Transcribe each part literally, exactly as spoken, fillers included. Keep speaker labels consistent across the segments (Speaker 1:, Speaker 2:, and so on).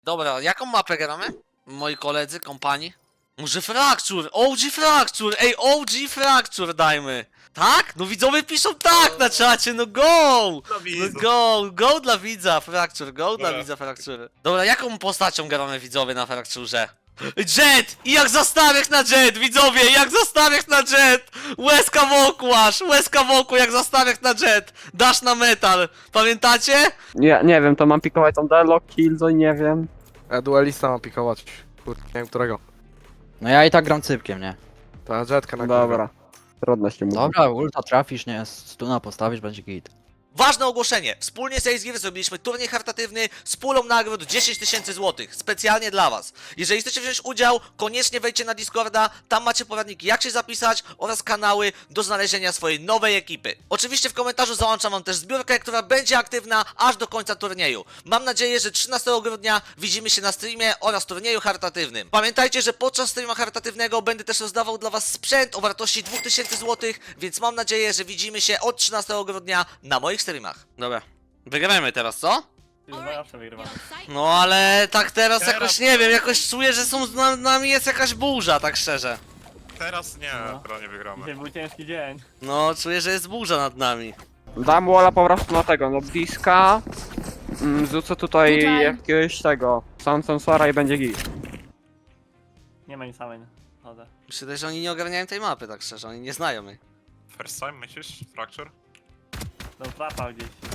Speaker 1: Dobra, jaką mapę gramy? Moi koledzy, kompani? Może Fracture, O G Fracture, ej, O G Fracture dajmy. Tak? No widzowie piszą tak na czacie, no go! No go, go dla widza, Fracture, go dla widza, Fracture. Dobra, jaką postacią gramy widzowie na Fracturze? Jet! I jak zastawiać na Jet, widzowie, jak zastawiać na Jet! Łezka wokół aż, łezka wokół jak zastawiać na Jet! Dasz na metal, pamiętacie?
Speaker 2: Nie, nie wiem, to mam pikować tam Deadlock, Killjoy, nie wiem.
Speaker 3: Ja duelista mam pikować. Kurde, nie wiem którego.
Speaker 4: No ja i tak gram cypkiem, nie?
Speaker 3: Ta jetka na
Speaker 2: Dobra. Trudno się mówi.
Speaker 4: Dobra, ulta trafisz, nie? Stuna postawisz, będzie git.
Speaker 1: Ważne ogłoszenie. Wspólnie z Ace Gear zrobiliśmy turniej charytatywny z pulą nagród dziesięć tysięcy złotych. Specjalnie dla was. Jeżeli chcecie wziąć udział, koniecznie wejdźcie na Discorda. Tam macie poradniki jak się zapisać oraz kanały do znalezienia swojej nowej ekipy. Oczywiście w komentarzu załączam wam też zbiórkę, która będzie aktywna aż do końca turnieju. Mam nadzieję, że trzynastego grudnia widzimy się na streamie oraz turnieju charytatywnym. Pamiętajcie, że podczas streamu charytatywnego będę też rozdawał dla was sprzęt o wartości dwa tysiące złotych, więc mam nadzieję, że widzimy się od trzynastego grudnia na moich streamach. Dobra. Wygramy teraz, co?
Speaker 5: Zawsze wygrywamy.
Speaker 1: No ale tak teraz jakoś nie wiem, jakoś czuję, że są z na- nami jest jakaś burza, tak szczerze.
Speaker 6: Teraz nie,
Speaker 5: No.
Speaker 6: teraz nie wygramy.
Speaker 5: Dzisiaj był ciężki dzień.
Speaker 1: No, czuję, że jest burza nad nami.
Speaker 2: Dam walla po prostu na tego, no bliska. Mm, Rzucę tutaj
Speaker 7: Tutaj.
Speaker 2: jakiegoś tego, sam sensora i będzie git.
Speaker 5: Nie ma nic samej. Chodzę.
Speaker 1: Myślę, że oni nie ogarniają tej mapy, tak szczerze, oni nie znają jej.
Speaker 6: First time myślisz? Fracture?
Speaker 5: Tą trapa gdzieś w...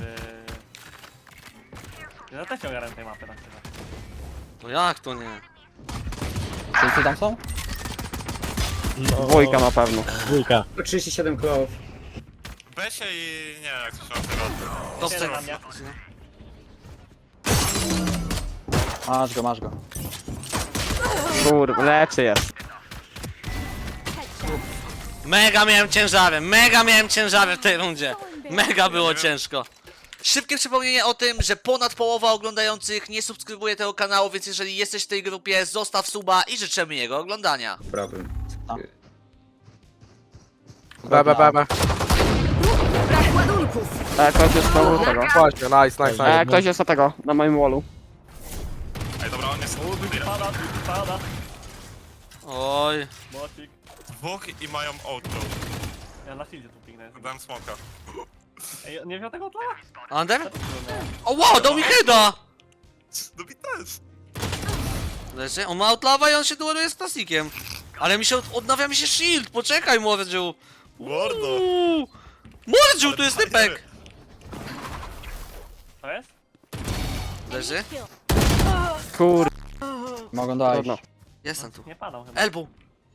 Speaker 5: Ja też nie ogarnę tej mapy tak szczerze.
Speaker 1: No jak to nie?
Speaker 4: Wszyscy tam są?
Speaker 2: Dwójka na pewno.
Speaker 8: trzydzieści siedem klowów.
Speaker 6: Besie i nie wiem jak to się nazywa.
Speaker 1: To
Speaker 5: Siedem na mnie.
Speaker 4: Masz go, masz go.
Speaker 2: Kur, leczy jest.
Speaker 1: Mega miałem ciężarem, mega miałem ciężarem w tej rundzie. Mega było ciężko. Szybkie przypomnienie o tym, że ponad połowa oglądających nie subskrybuje tego kanału, więc jeżeli jesteś w tej grupie, zostaw suba i życzymy jego oglądania.
Speaker 8: Problem.
Speaker 3: B, B, B, B.
Speaker 2: E, ktoś jest na tego.
Speaker 3: Właśnie, nice, nice, nice.
Speaker 2: E, ktoś jest na tego, na moim wallu.
Speaker 6: Ej dobra, on jest
Speaker 5: Pada, drugi pada.
Speaker 1: Oj.
Speaker 5: Bocik.
Speaker 6: dwóch i mają auto.
Speaker 5: Ja na shieldzie tu pignę.
Speaker 6: Dałem smoka.
Speaker 5: Ej, nie wziął tego tla?
Speaker 1: Under? O wow, dał mi heada!
Speaker 6: No mi też.
Speaker 1: Leży, on ma outlawa i on się dueluje z Klasikiem. Ale mi się, od- odnawia mi się shield, poczekaj Mordziu.
Speaker 6: Mordo.
Speaker 1: Uuu. Mordziu, tu jest typek.
Speaker 5: To jest?
Speaker 1: Leży?
Speaker 2: Kur,
Speaker 4: Mogą dojść.
Speaker 2: trudno.
Speaker 1: Jestem tu.
Speaker 5: Nie padał chyba.
Speaker 1: Elbow.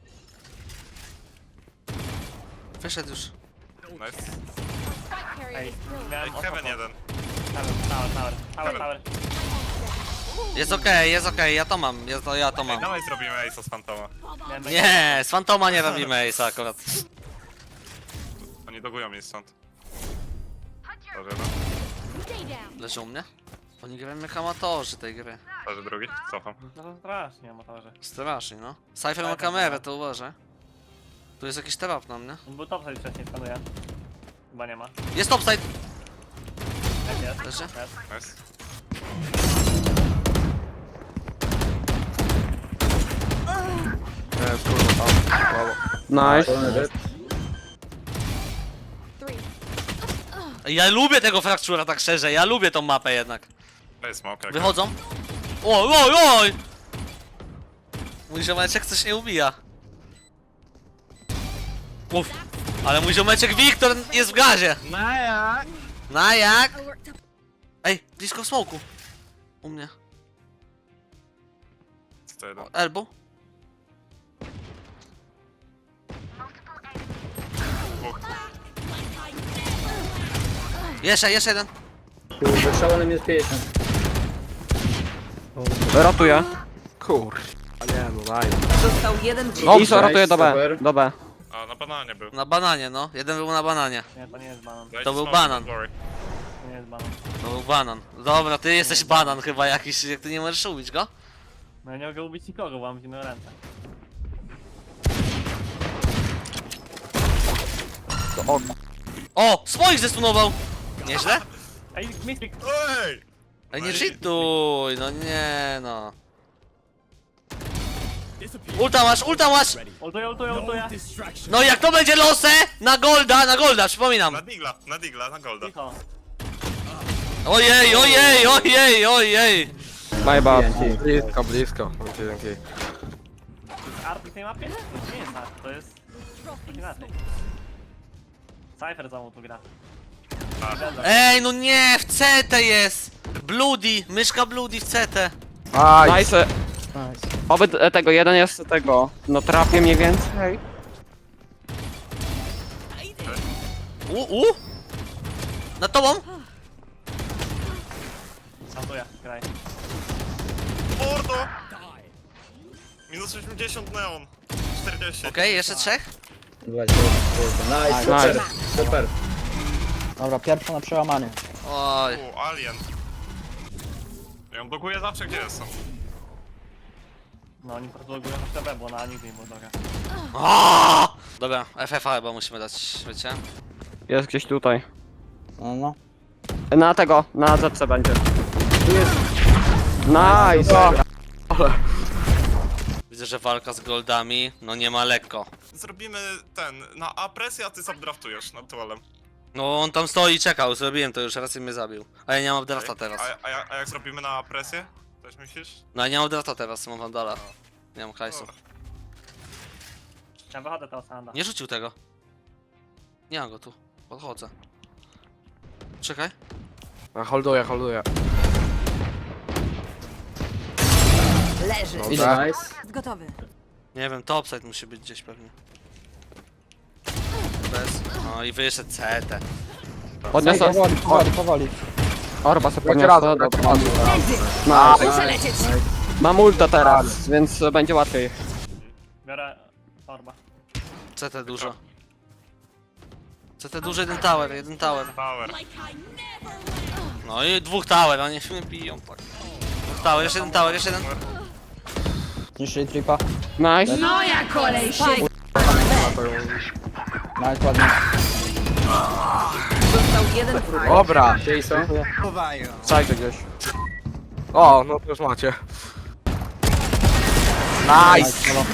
Speaker 1: Wyszedł już.
Speaker 6: Nice.
Speaker 5: Ej,
Speaker 6: Ej,
Speaker 5: miałem
Speaker 6: Heaven jeden.
Speaker 5: Tower, tower, tower, tower, tower.
Speaker 1: Jest okej, jest okej, ja to mam, ja to, ja to
Speaker 6: Ej,
Speaker 1: mam.
Speaker 6: dawaj zrobimy Ace'a z Fantoma.
Speaker 5: Miałem
Speaker 1: Nie, z Fantoma nie robimy Ace'a akurat.
Speaker 6: Oni dogują mnie stąd. Dobrze, no.
Speaker 1: Leży u mnie? Oni grają jak amatorzy tej gry.
Speaker 6: Dobrze, drugi. Cofam.
Speaker 5: No strasznie, amatorze.
Speaker 1: Strasznie, no. Cypher ma kamerę, to uważaj. Tu jest jakiś trap na mnie.
Speaker 5: On był topside wcześniej, skanuję. Chyba nie ma.
Speaker 1: Jest topside!
Speaker 5: Jest, jest.
Speaker 1: Leży?
Speaker 5: Jest.
Speaker 6: Nice.
Speaker 3: Nie, kurwa, tam. Brawo.
Speaker 2: Nice.
Speaker 1: Ja lubię tego Fracture'a tak szczerze, ja lubię tą mapę jednak.
Speaker 6: To jest smoke. jak-
Speaker 1: Wychodzą. Oj, oj, oj! Mój ziomeczek coś nie ubija. Uff. Ale mój ziomeczek Wiktor jest w gazie.
Speaker 3: Na jak?
Speaker 1: Na jak? Ej, blisko w smoku. U mnie.
Speaker 6: Co to jeden?
Speaker 1: O, elbow.
Speaker 6: Dwóch.
Speaker 1: Jeszcze, jeszcze jeden.
Speaker 8: Kurde, szalonym jest pięćdziesiąt.
Speaker 2: Ratuję.
Speaker 3: Kur. A nie, no daj.
Speaker 7: Został jeden dzień.
Speaker 2: Dobrze, ratuję do B.
Speaker 8: Super.
Speaker 2: Do B.
Speaker 6: A, na bananie był.
Speaker 1: Na bananie, no. Jeden był na bananie.
Speaker 5: Nie, to nie jest banan.
Speaker 6: Dajcie
Speaker 1: To był
Speaker 6: smoke,
Speaker 1: banan.
Speaker 6: don't worry.
Speaker 5: To nie jest banan.
Speaker 1: To był banan. Dobra, ty jesteś banan chyba jakiś, jak ty nie możesz ubić go?
Speaker 5: No ja nie mogę ubić nikogo, bo mam zimne ręce.
Speaker 1: O! Swoich zestunował! Nieźle?
Speaker 5: Ej, Mystic!
Speaker 6: Ej!
Speaker 1: Ej, nie cheatuj, no nie no. Ulta masz, ulta masz!
Speaker 5: Ultuję, ultuję, ultuję.
Speaker 1: No jak to będzie losę? Na golda, na golda, przypominam.
Speaker 6: Na digla, na digla, na golda.
Speaker 5: Cicho.
Speaker 1: Ojej, ojej, ojej, ojej.
Speaker 2: My bad.
Speaker 3: Blisko, blisko. Dzięki, dzięki.
Speaker 5: Arty w tej mapie? To nie jest art, to jest... coś inaczej. Cypher za mną tu gra.
Speaker 1: Ej, no nie, w C T jest. Bloody, myszka Bloody w C T.
Speaker 3: Nice.
Speaker 2: Nice.
Speaker 4: Nice.
Speaker 2: Oby t- tego, jeden jest tego. No trafię mniej więcej.
Speaker 1: U, u? Na tobą?
Speaker 5: Santuję, graj.
Speaker 6: Mordo! Minus osiemdziesiąt neon. czterdzieści.
Speaker 1: Okej, jeszcze trzech?
Speaker 8: dwadzieścia. Nice, super, super.
Speaker 4: Dobra, pierwsza na przełamanie.
Speaker 1: Oj.
Speaker 6: U, alien. Ja ją blokuję zawsze, gdzie jestem.
Speaker 5: No oni po prostu logują na T V, bo na nigdy nie było droga.
Speaker 1: Aaaa! Dobra, F F A chyba musimy dać, wiecie?
Speaker 2: Jest gdzieś tutaj.
Speaker 4: No, no.
Speaker 2: Na tego, na Z C będzie. Nice!
Speaker 1: Widzę, że walka z goldami, no nie ma lekko.
Speaker 6: Zrobimy ten, na A presję, a ty subdraftujesz nad tualem.
Speaker 1: No on tam stoi i czekał, zrobiłem to już, raz mnie zabił. A ja nie mam drafta teraz.
Speaker 6: A, a, jak- a jak zrobimy na presję? Coś myślisz?
Speaker 1: No ja nie mam drafta teraz, mam wandala. Nie mam hajsu.
Speaker 5: Ja wychodzę teraz Sanda.
Speaker 1: Nie rzucił tego. Nie mam go tu, podchodzę. Czekaj.
Speaker 3: Ja holduję, holduję.
Speaker 7: Leży.
Speaker 3: Dobra.
Speaker 8: Nice.
Speaker 7: Gotowy.
Speaker 1: Nie wiem, topside musi być gdzieś pewnie. Bez. No i wyszedł C T.
Speaker 2: Podniosę.
Speaker 4: Powoli, powoli, powoli.
Speaker 2: Orba sobie
Speaker 3: Będzie
Speaker 2: podniosę.
Speaker 3: razem,
Speaker 2: Dobra.
Speaker 3: razem.
Speaker 2: Nice.
Speaker 7: Muszę lecieć.
Speaker 2: Mam ulta teraz, więc będzie łatwiej.
Speaker 5: Biorę Orba.
Speaker 1: C T dużo. C T dużo, jeden tower, jeden tower.
Speaker 6: Power.
Speaker 1: No i dwóch tower, oni się biją tak. Dwóch tower, jeszcze jeden tower, jeszcze jeden.
Speaker 4: Zniszczyli tripa.
Speaker 2: Nice.
Speaker 7: Moja kolej się.
Speaker 4: Nice, ładnie.
Speaker 7: Został jeden wróg.
Speaker 3: Dobra.
Speaker 8: Gdzie są?
Speaker 2: Zajdzie gdzieś.
Speaker 3: O, no to już macie. Nice.
Speaker 4: Halo.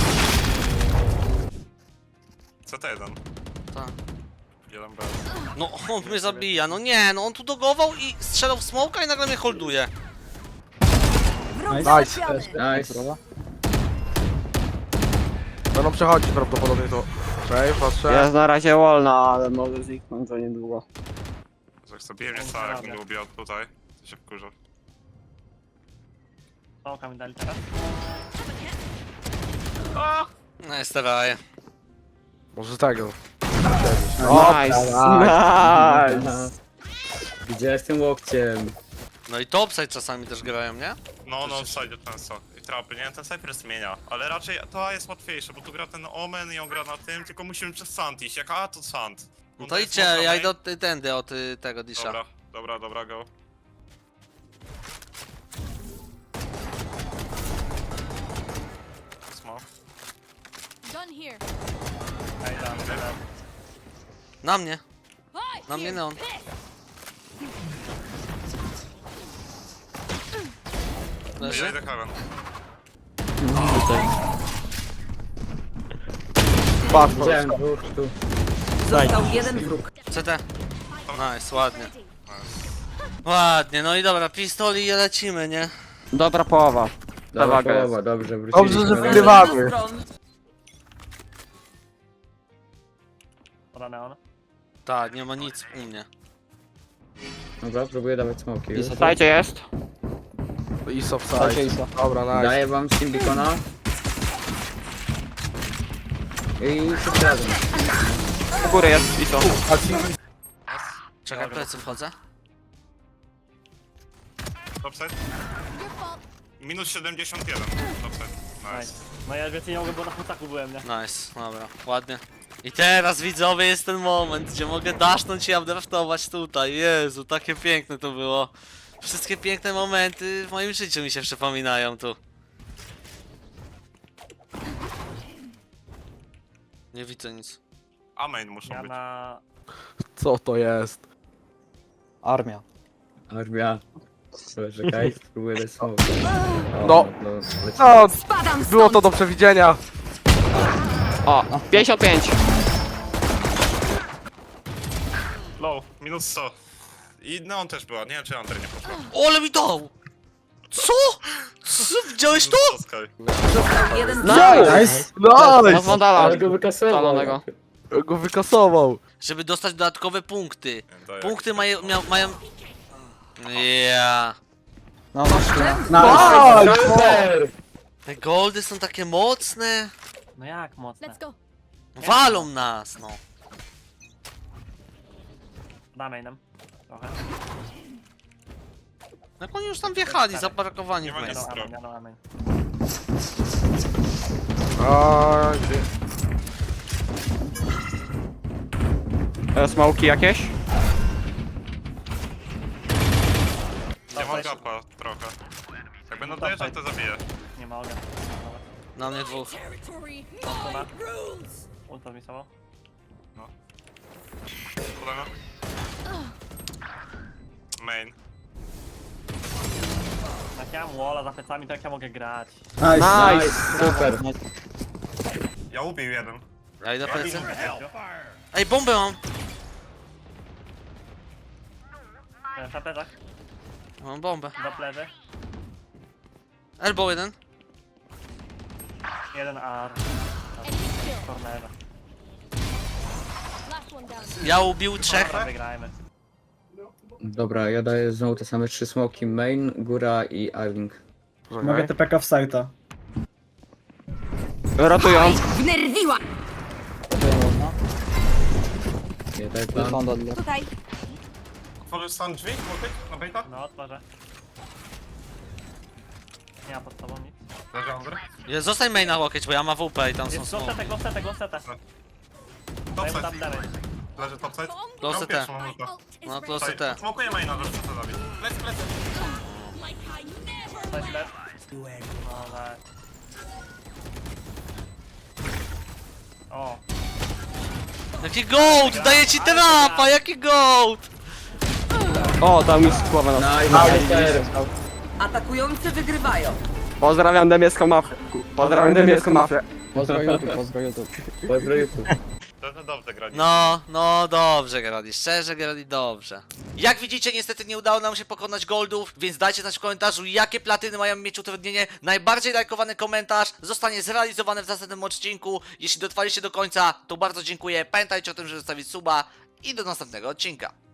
Speaker 6: C T jeden.
Speaker 1: Tak.
Speaker 6: Jeden B.
Speaker 1: No on mnie zabija, no nie, no on tu dogował i strzelał w smoka i nagle mnie holduje.
Speaker 7: Wróg
Speaker 3: Nice.
Speaker 7: załatwiony.
Speaker 8: Nice.
Speaker 4: Dobra.
Speaker 3: Będą przechodzić prawdopodobnie to. Okej, patrzę.
Speaker 2: Jest na razie wolna, ale może zniknąć za niedługo.
Speaker 6: Jak sobie mnie stary, jak będę ubijał tutaj, to się wkurzę.
Speaker 5: Smoka mi dali teraz.
Speaker 1: No jest raje.
Speaker 3: Może tego.
Speaker 2: Nice. Nice.
Speaker 8: Gdzie jestem łokciem?
Speaker 1: No i topside czasami też grają, nie?
Speaker 6: No, no, wsajdzie często. I trapy, nie? Ten Cypher zmienia. Ale raczej to A jest łatwiejsze, bo tu gra ten Omen i on gra na tym, tylko musimy przez Sand iść. Jak A, to Sand.
Speaker 1: No
Speaker 6: On
Speaker 1: to
Speaker 6: daje
Speaker 1: idźcie,
Speaker 6: smoka
Speaker 1: ja
Speaker 6: main.
Speaker 1: idę od y, tędy, od y, tego disha.
Speaker 6: Dobra, dobra, dobra, go. Smoke.
Speaker 7: Done here.
Speaker 5: Ej, dam, dam.
Speaker 1: Na mnie, na mnie neon.
Speaker 6: Ja
Speaker 1: Leży?
Speaker 6: idę Heaven.
Speaker 3: Patrz,
Speaker 8: Widziałem dwóch tu.
Speaker 7: Został jeden wróg.
Speaker 1: C T. Nice, ładnie. Ładnie, no i dobra, pistoli i lecimy, nie?
Speaker 2: Dobra połowa.
Speaker 8: Dobra
Speaker 2: Zawaga jest.
Speaker 8: połowa, dobrze, wróciliśmy.
Speaker 3: Dobrze, że
Speaker 8: na-
Speaker 3: wygrywamy.
Speaker 5: Poda neon.
Speaker 1: Tak, nie ma nic u mnie.
Speaker 8: Dobra, próbuję dawać smoki już.
Speaker 2: Zajdzie jest.
Speaker 3: Iso
Speaker 4: Dajcie
Speaker 3: wside.
Speaker 4: Isa.
Speaker 3: Dobra, nice.
Speaker 8: Daję wam Steam Beacona. I wszyscy razem.
Speaker 2: U góry jest ISO.
Speaker 3: A ci...
Speaker 1: Czekaj, plecy wchodzę.
Speaker 6: Topside. Minus siedemdziesiąt jeden. Topside.
Speaker 5: Nice.
Speaker 6: Nice.
Speaker 5: No ja więcej nie mogę, bo na putaku byłem, nie?
Speaker 1: Nice, dobra, ładnie. I teraz widzowie jest ten moment, gdzie mogę dasznąć i updraftować tutaj. Jezu, takie piękne to było. Wszystkie piękne momenty w moim życiu mi się przypominają tu. Nie widzę nic.
Speaker 6: A main muszą
Speaker 5: Ja
Speaker 6: być.
Speaker 5: na...
Speaker 3: Co to jest?
Speaker 4: Armia.
Speaker 8: Armia. Czekaj, spróbuję dać smoke. O,
Speaker 3: No.
Speaker 8: no, leci.
Speaker 3: No,
Speaker 7: Spadam
Speaker 3: było to
Speaker 7: stąd!
Speaker 3: do przewidzenia.
Speaker 2: O, pięćdziesiąt pięć.
Speaker 6: Low, minus sto. I Neon też była, nie wiem czy Under nie poszła.
Speaker 1: O, ale mi dał! Co? Co? Widziałeś to?
Speaker 6: Minus sto, Sky.
Speaker 7: Został jeden wróg.
Speaker 4: Nice!
Speaker 2: No
Speaker 3: Nice!
Speaker 2: Wandala.
Speaker 8: Ale go wykasował.
Speaker 2: Szalonego.
Speaker 3: Go wykasował.
Speaker 1: Żeby dostać dodatkowe punkty.
Speaker 6: Daję.
Speaker 1: Punkty mają... Mia, mają... Yeah.
Speaker 4: No,
Speaker 8: Super!
Speaker 1: Te goldy są takie mocne.
Speaker 5: No jak mocne?
Speaker 7: Let's go.
Speaker 1: Walą nas, no.
Speaker 5: Damy nam. Trochę.
Speaker 1: Jak oni już tam wjechali, zaparkowani
Speaker 6: Nie
Speaker 1: w
Speaker 6: ma
Speaker 1: miejscu.
Speaker 6: nic.
Speaker 5: No amen, no amen.
Speaker 3: A, gdzie?
Speaker 2: E, Smoki jakieś?
Speaker 6: Nie mam gapa trochę. Jak będą dojeżdżać to zabiję.
Speaker 5: Nie mogę.
Speaker 1: Na mnie dwóch.
Speaker 5: Dobra. Ulta zmisował.
Speaker 6: Podano. Main.
Speaker 5: Jak ja mam walla za plecami, to jak ja mogę grać?
Speaker 2: Nice!
Speaker 8: Super.
Speaker 6: Ja ubił jeden.
Speaker 1: Ja idę plecy.
Speaker 5: Gościu.
Speaker 1: Ej, bombę mam!
Speaker 5: E, Na plecach,
Speaker 1: Mam bombę.
Speaker 5: do plecy.
Speaker 1: Elbow jeden.
Speaker 5: Jeden ar. Cornera.
Speaker 7: Last one down.
Speaker 1: Ja ubił trzech.
Speaker 5: Dobra, wygrajmy.
Speaker 8: Dobra, ja daję znowu te same trzy smoki. Main, góra i Arling.
Speaker 3: Mogę te...
Speaker 4: P K w sajta.
Speaker 2: Rotują.
Speaker 7: Wnerwiła!
Speaker 8: Nie daj plan.
Speaker 4: Wygląda dla...
Speaker 7: Tutaj.
Speaker 6: Otworzysz sam drzwi? Multik? Na bejta?
Speaker 5: No, otworzę. Nie ma pod sobą nic.
Speaker 6: Leży Under.
Speaker 1: Ja, zostań main na łokieć, bo ja mam W P i tam są
Speaker 5: Jest go
Speaker 1: smoke.
Speaker 5: setę, go setę, go setę. Daj mu
Speaker 6: Topside.
Speaker 5: tam damage.
Speaker 6: Leży topside.
Speaker 1: Close
Speaker 6: Mam
Speaker 1: T.
Speaker 6: pierwszą multa.
Speaker 1: No to
Speaker 6: Tutaj,
Speaker 1: T.
Speaker 6: Smokuję maina, żeby to zabić. Plec, plec.
Speaker 5: Coś lep. No tak. O,
Speaker 1: Jaki gold! Daję ci trapa! Jaki gold!
Speaker 2: O, tam mi skłowę na
Speaker 8: Nice, super.
Speaker 7: Atakujący wygrywają.
Speaker 2: Pozdrawiam demiecką mafię. Pozdrawiam demiecką mafię.
Speaker 4: Pozdro YouTube, pozdro YouTube.
Speaker 8: Pozdro YouTube.
Speaker 6: To to dobrze grali.
Speaker 1: No, no dobrze grali, szczerze grali dobrze. Jak widzicie, niestety nie udało nam się pokonać goldów, więc dajcie znać w komentarzu, jakie platyny mają mieć utrudnienie. Najbardziej lajkowany komentarz zostanie zrealizowany w następnym odcinku. Jeśli dotrwaliście do końca, to bardzo dziękuję. Pamiętajcie o tym, żeby zostawić suba i do następnego odcinka.